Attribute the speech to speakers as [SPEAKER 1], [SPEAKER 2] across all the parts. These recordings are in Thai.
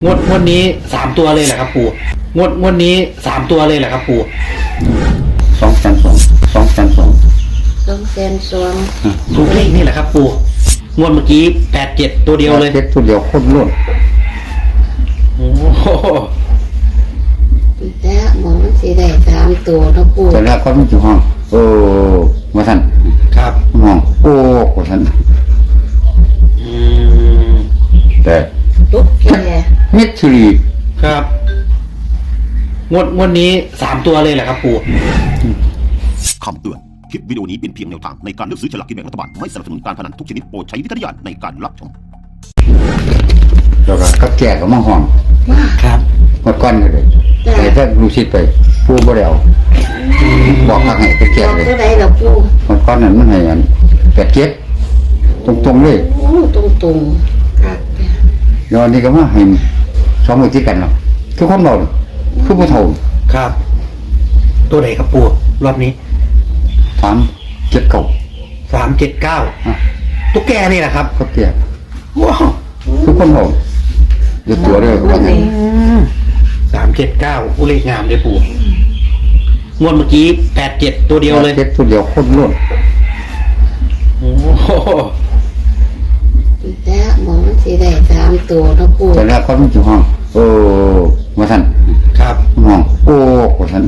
[SPEAKER 1] งวดนี้3 ตัวเลยเหรอครับปู่งวดนี้3 ตัวเลยเหรอครับปู่
[SPEAKER 2] 200,002
[SPEAKER 1] ถูกเลขนี่แหละครับปู่งวดเมื่อกี้87ตัวเดียวเลย
[SPEAKER 2] เจ็ดตัวเดียวคนล้วน
[SPEAKER 1] โอ้โห
[SPEAKER 3] แต่หมอมันสิได้3 ตัวเนาะปู่
[SPEAKER 2] แต่แล้วเขาไม่อยู่ห้องมาท่าน
[SPEAKER 1] ครับ
[SPEAKER 2] ห้องมาท่านแต่
[SPEAKER 3] ตุ๊กแก
[SPEAKER 2] มิตรี
[SPEAKER 1] ครับงวดนี้3 ตัวเลยเหรอครับปู่
[SPEAKER 4] คำเตือน คลิปวิดีโอนี้เป็นเพียงแนวทางในการเลือกซื้อฉลากกินแบ่งรัฐบาล ไม่สนับสนุนการพนันทุกชนิดโปรดใช้วิจารณญาณในการรับชม
[SPEAKER 2] แล้วก็กับแก่กับมาห้อง
[SPEAKER 1] ครับ
[SPEAKER 2] หมดก้อนเลยแต่ถ้าลูกศิษย์ไปผู้บ่ได้เอาบอกทางให้เป็นแก่เลย
[SPEAKER 3] เท่าใดล่ะปู่
[SPEAKER 2] หมดก้อนนั้นมันให้อัน87ตรงๆเลย
[SPEAKER 3] โอ้ตรงๆครับ
[SPEAKER 2] แล้วอันนี้ก็มาให้2มื้อที่กันเนาะคือคนเราคือผู้เฒ่า
[SPEAKER 1] ครับ ตัวไหนครับปู่รอบนี้
[SPEAKER 2] 379
[SPEAKER 1] 379ตุ๊กแกนี่แหละครับ
[SPEAKER 2] กับแก่
[SPEAKER 1] ว้าว
[SPEAKER 2] คือคนเราเดี๋ยวตัวเด้อว่างั้น
[SPEAKER 1] 379เลขงามเลยปู่งวดเมื่อกี้87ตัวเดียวเลย
[SPEAKER 2] 7ตัวเดียวคนล้วน
[SPEAKER 1] โอ้โห
[SPEAKER 3] แต่หมอมันสิได้3 ตัวเนาะปู่
[SPEAKER 2] แต่แล้วเขาไม่อยู่ห้องมาท่าน
[SPEAKER 1] ครับ
[SPEAKER 2] ห้องมาท่าน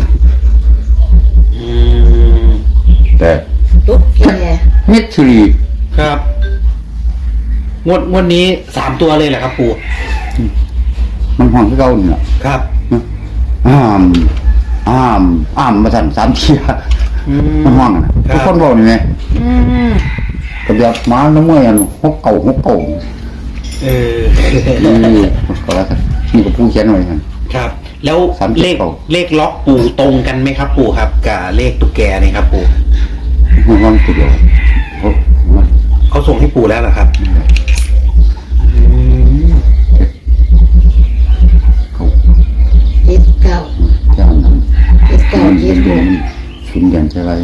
[SPEAKER 2] แต่
[SPEAKER 3] ตุ๊กแก
[SPEAKER 2] มิตรี
[SPEAKER 1] ครับงวดนี้3 ตัวเลยเหรอครับปู่
[SPEAKER 2] มันห้องที่เก่าเนี่ย
[SPEAKER 1] ครับ
[SPEAKER 2] อ้ามมาสั่น3 เที่ยมันห้องนะทุกคนบอกนี่ไงกระเบียบม้าน้ำเมื่อยหกเก่านี่ก็แล้วกันนี่ก็ผู้เขียนไว้กัน
[SPEAKER 1] ครับแล้วเลขล็อกปู่ตรงกันไหมครับปู่ครับกับเลขตุ๊กแกนี่ครับปู่
[SPEAKER 2] มันตัวเดียว
[SPEAKER 1] เขาส่งให้ปู่แล้วเหรอครับ
[SPEAKER 3] 79
[SPEAKER 2] เจ้านั้น
[SPEAKER 3] 79
[SPEAKER 2] ชุนยันใช่ไร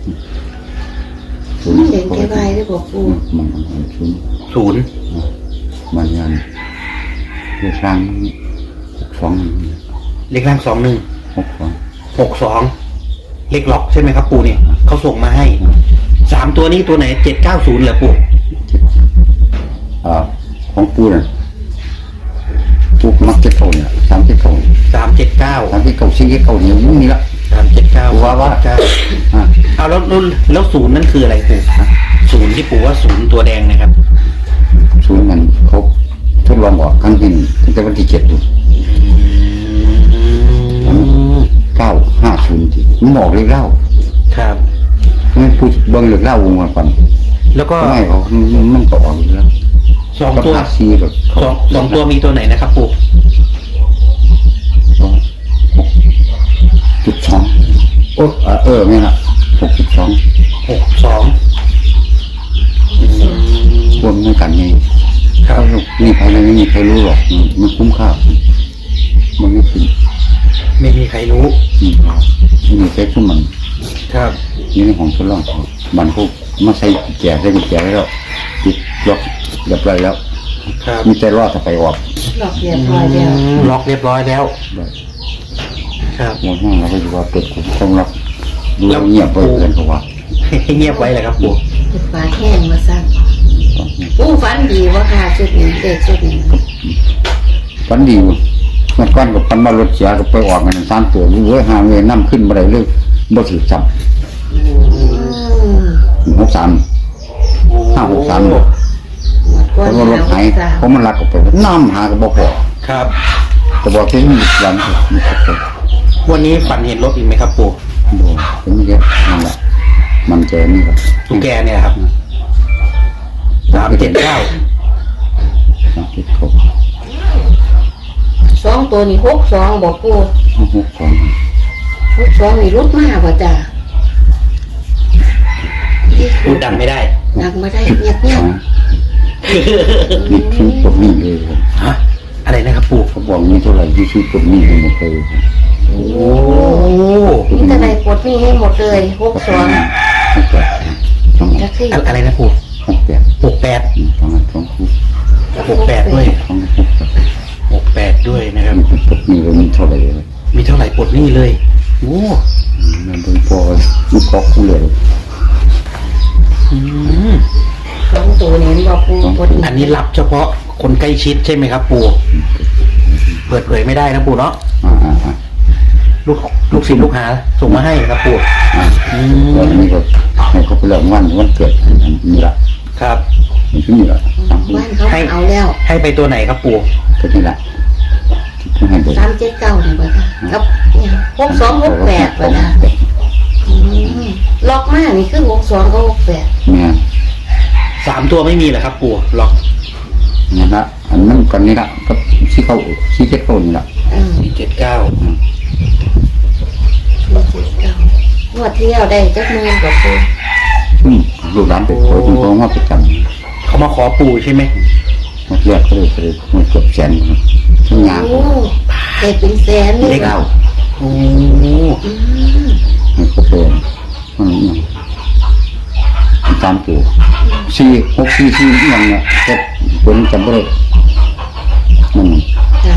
[SPEAKER 3] มันเด่นแค่ใบได้บอกปู่
[SPEAKER 2] มัน
[SPEAKER 1] ศูนย์
[SPEAKER 2] มันยันเรื่องร่าง
[SPEAKER 1] เลขล่าง
[SPEAKER 2] 62
[SPEAKER 1] เลขล็อกใช่ไหมครับปู่เนี่ยเขาส่งมาให้3 ตัวนี้ตัวไหน790เหรอปู่
[SPEAKER 2] ของปูน่ะปูมักเก็ตเก่าเนี่ย379 379เนี่ยมึงนี่ละ
[SPEAKER 1] 379
[SPEAKER 2] ว่า
[SPEAKER 1] เอาแล้วศูนย์นั่นคืออะไรปู่ศูนย์ที่ปู่ว่าศูนย์ตัวแดงนะครับ
[SPEAKER 2] ศูนย์มันเขาทดลองออกครั้งที่ตั้งแต่วันที่7อยู่950ที่มันบอกเลยเล่า
[SPEAKER 1] ครับ
[SPEAKER 2] ไม่พูดเบิ่งเรื่องเล่าวงมาก่อน
[SPEAKER 1] แล้วก็
[SPEAKER 2] ไม่เขามันก็ออกอยู่แล้ว
[SPEAKER 1] 2 ตัว
[SPEAKER 2] แบบ
[SPEAKER 1] 2 ตัวมีตัวไหนนะครับปู่
[SPEAKER 2] 6.2นี่นะ
[SPEAKER 1] 62
[SPEAKER 2] วนไม่กันไงครับนี่ใครไม่มีใครรู้หรอกมันคุ้มค่ามันไม่ถึง
[SPEAKER 1] ไม่มีใครรู้
[SPEAKER 2] ไม่มีใครคุ้มมัน
[SPEAKER 1] ครับ
[SPEAKER 2] นี่ในของทดลองมันเขามาใส่แก่แล้วติดล็อกเรียบร้อยแล้วมีแต่รอดถ้าไปออก
[SPEAKER 3] ล็อกเรียบร้อยแล้ว
[SPEAKER 1] ครับ
[SPEAKER 2] ห้องเราก็อยู่ว่าเปิดต้องล็อกดูเงียบไปเกินเขาว่า
[SPEAKER 1] ให้เงียบไว้เลยครับปู่
[SPEAKER 3] ปิดฝาแห้งมาสั่งปู่ฝันดีว่าค่ะชุดนี้เด็กชุดนี้
[SPEAKER 2] ฝันดีมันก้อนกับพันมารถเสียก็ไปออกกัน3 ตัวเว้ยหาเงินน้ำขึ้นมาได้เลยบ่ถือจับ63 เพราะว่ารถหายเพราะมันลักออกไปน้ำหาก็บ่พอ
[SPEAKER 1] ครับ
[SPEAKER 2] แต่บอกที่นี่วันนี้
[SPEAKER 1] วันนี้ฝันเห็นรถอีกไหมครับปู่
[SPEAKER 2] ดูเป็นเยอะนั่นแหละมันเจอนี่ครับ
[SPEAKER 1] ตุ๊กแกเนี่ยครับ379
[SPEAKER 3] 2 ตัวนี่62บอกปู่62นี่รุดมากว่าจ้ะ
[SPEAKER 1] พูดดังไม่ได้
[SPEAKER 3] ดังไม่ได้เงียบ
[SPEAKER 2] นี่คือปลดหนี้เลย
[SPEAKER 1] ฮะอะไรนะครับปู่
[SPEAKER 2] เขาบอกนี่เท่าไหร่ที่ซื้อปลดหนี้ให้หมดเลย
[SPEAKER 1] โอ้
[SPEAKER 3] นี่จะได้ปลดหนี้ให้หมดเลย62
[SPEAKER 1] อะไรนะปู่
[SPEAKER 2] 68
[SPEAKER 1] 68ด้วย 68ด้วยนะครับ
[SPEAKER 2] พวกนี้ก็มีเท่าไหร่เลย
[SPEAKER 1] มีเท่าไหร่ปลดหนี้เลยโอ้
[SPEAKER 2] มันเป็นพอมันกอกกูเลย
[SPEAKER 1] อืม
[SPEAKER 3] สองตัวนี้บอกปูปด
[SPEAKER 1] อันนี้รับเฉพาะคนใกล้ชิดใช่ไหมครับ ปู่เปิดเผยไม่ได้นะปู่เนาะ
[SPEAKER 2] อ่า
[SPEAKER 1] ลูกศิษย์ลูกหาส่งมาให้ครับปู่อืม
[SPEAKER 2] แล้วอันนี้ก็ให้เขาไปเริ่มวันเกิดอันนี้ละ
[SPEAKER 1] ครับ
[SPEAKER 2] มันคือนี่ละ
[SPEAKER 3] บ้านเขาเอาแล้ว
[SPEAKER 1] ให้ไปตัวไหนครับปู่
[SPEAKER 2] ก็นี่ละที่ให้ไป
[SPEAKER 3] 379นี่บ่ค่ะกับเนี่ย6268บ่นะล็อกมานี่คือ62กับ68
[SPEAKER 2] เนี่ย
[SPEAKER 1] 3 ตัวไม่มีเหรอครับ ปู่ล็อก
[SPEAKER 2] นี่ละอันนั้นกันนี่ละกับชี้เจ็ดเข้านี่ละ
[SPEAKER 1] 479
[SPEAKER 3] งวดที่แล้วได้จักมื้อกับปู
[SPEAKER 2] ลูกหลานไปขอคุณพ่อมาประจำ
[SPEAKER 1] เขามาขอปู่ใช่ไหม
[SPEAKER 2] มาเรียกเขาเลยมันเกือบแสนทั้งงาน
[SPEAKER 3] โอ้ได้เป็นแสนเลย
[SPEAKER 2] เลขเอา
[SPEAKER 1] โอ้
[SPEAKER 3] อืม
[SPEAKER 2] ให้เขาเป็นมันตามตัว4 6 4 4อย่างเงี้ยก็คนจำไม่ได้มัน
[SPEAKER 3] จ้ะ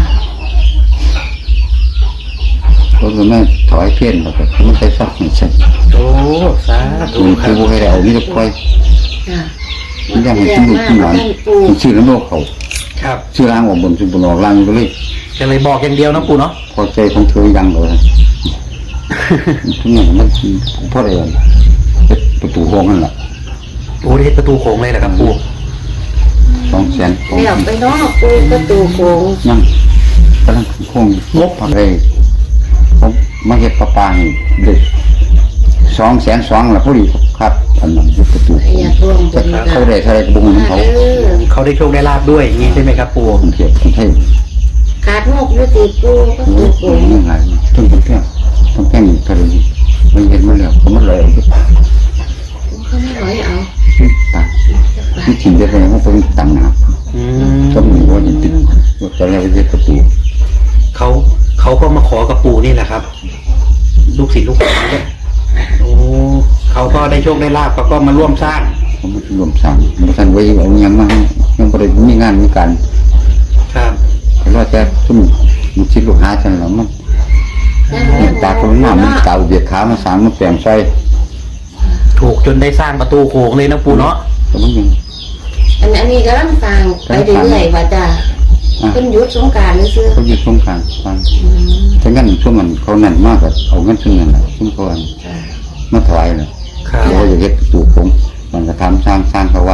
[SPEAKER 2] ก็คือแม่ถอยเพี้ยนแล้วก็ไม่ใช่ซักไม่ใช่
[SPEAKER 1] โอ้สาธุ
[SPEAKER 2] คือ
[SPEAKER 1] ครั
[SPEAKER 2] คื
[SPEAKER 1] บ
[SPEAKER 2] อว่าให้เอานี่จะคอย
[SPEAKER 3] จ้ะ
[SPEAKER 2] มันยังให้ชิ้นลูกชิ้นหลานชื่อน้ำโลกเขา
[SPEAKER 1] ครับ
[SPEAKER 2] ชื่อร่างออกบนชื่อบนออกล่างก็เลย
[SPEAKER 1] จะเลยบอกอย่างเดียวนะปู่เนาะ
[SPEAKER 2] พอใจของเธอยังเลยทุกอย่างมันเพราะอะไรประตูห้องนั่นแหละ
[SPEAKER 1] โอ้ได้ประตูโค้งเลยเหรอครับปู่
[SPEAKER 2] 200,000
[SPEAKER 3] แล้วไปเนาะปูประตูโค้ง
[SPEAKER 2] ยังกำลังคงงบอะไรผมมาเห็ดปลาให้เด็ก200,002แล้วพอดีครับอันนั้นประตู
[SPEAKER 3] อยากร่วมบุญ
[SPEAKER 2] เขาได้เท่าไรกระบุงของเขา
[SPEAKER 1] เขาได้โชคได้ลาบด้วยอย่างนี้ใช่ไหมครับปู่
[SPEAKER 2] คนเทียบคนไทย
[SPEAKER 3] ขาดงกอยู่ติปูประตูโค้ง
[SPEAKER 2] ยังไงต้นแก้วต้นแก้วนี่ก็เลยมันเห็นมาแล้วก็มันเลย
[SPEAKER 3] เขาไม่ร้อยเอา
[SPEAKER 2] ตาที่ถิ่นได้เลยว่าเป็นต่างหาก
[SPEAKER 1] อืม
[SPEAKER 2] ก็มีว่าติดว่าจะเรียกว่าประตู
[SPEAKER 1] เขาก็มาขอกับปู่นี่แหละครับ ลูกศิษย์ลูกหาเนี่ยโอ้เขาก็ได้โชคได้ลาบเขาก็มาร่วมสร้าง
[SPEAKER 2] เขาไม่รวมสร้างมันทันไว้เอายังมายังบริมีงานมีการ
[SPEAKER 1] ครับ
[SPEAKER 2] แต่ว่าจะทุ่มมันชิดลูกหาจังหรอมันตาคนหน้ามันเก่าเบียดขามาสามมันแปลงไฟ
[SPEAKER 1] ถูกจนได้สร้างประตูโค้งเลยนะปู่เนาะ
[SPEAKER 2] แต่มันยัง
[SPEAKER 3] อันนี้ก็ต้องฟังไปเรื่อยๆว่าจ้ะเป็นยุทธสงการนี่ซื้อ
[SPEAKER 2] เขาอยู่ตรงกลางฟังแต่งั้นช่วงมันเขานั่นมากกว่าเอาเงินช่วงนั้นแหละช่วงเขามาถวายเลย
[SPEAKER 1] ครับ
[SPEAKER 2] เขาจะเฮ็ดประตูโค้งมันจะทำสร้างเขาว่า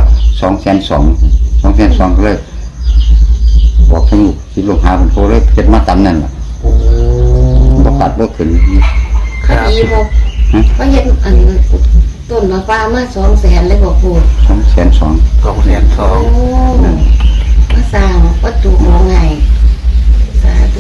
[SPEAKER 2] 200,002ก็เลยบอกทั้งลูกที่ลูกหาเป็นโคเลยเฮ็ดมาตามนั่นแหละ
[SPEAKER 1] โอ้
[SPEAKER 2] บ่ปัดบ่ขึ้น
[SPEAKER 1] ครับ
[SPEAKER 3] ดีบอกว่าเห็นอันต้นมะพร้าวมา200,000เลยบอกปู
[SPEAKER 2] 200,002
[SPEAKER 1] 200,002
[SPEAKER 3] โอ้มาสร้างประตูโค้งไงสาธุ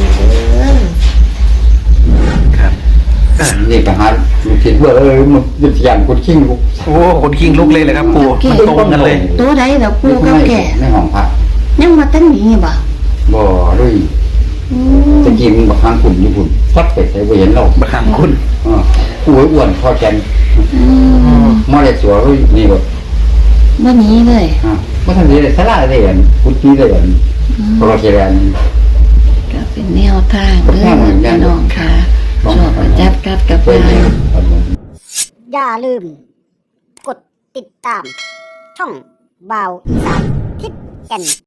[SPEAKER 1] ครับ
[SPEAKER 2] นี่ก็หาลูกคิดว่ามันยึดยันคนขิงลูก
[SPEAKER 1] โอ้คนคิงลุกเลยเลยครับปู่มันตรงกันเลย
[SPEAKER 3] ตัวใดแล้วปูกับแก่
[SPEAKER 2] ในห้องพระ
[SPEAKER 3] ยังมาตั้งนี้บ่
[SPEAKER 2] บ่ด้วยตะกี้มันบักหางขุ่นอยู่ขุ่นซัดไปใส่บ่เห็นเรา
[SPEAKER 1] บางคุณ
[SPEAKER 2] อ้วนพอแกนมาได้สัวนี่บ่
[SPEAKER 3] บ่หนี้เลย
[SPEAKER 2] บ่ทันได้สลาได้อันพุทธิได้อันเพราะว่าแกน
[SPEAKER 3] ก็เป็นแนวทางเด้อพี่น้องค่ะชอบประจับกัดกับไป
[SPEAKER 5] อย่าลืม กดติดตาม ช่องบาวอีสานทิศแก่น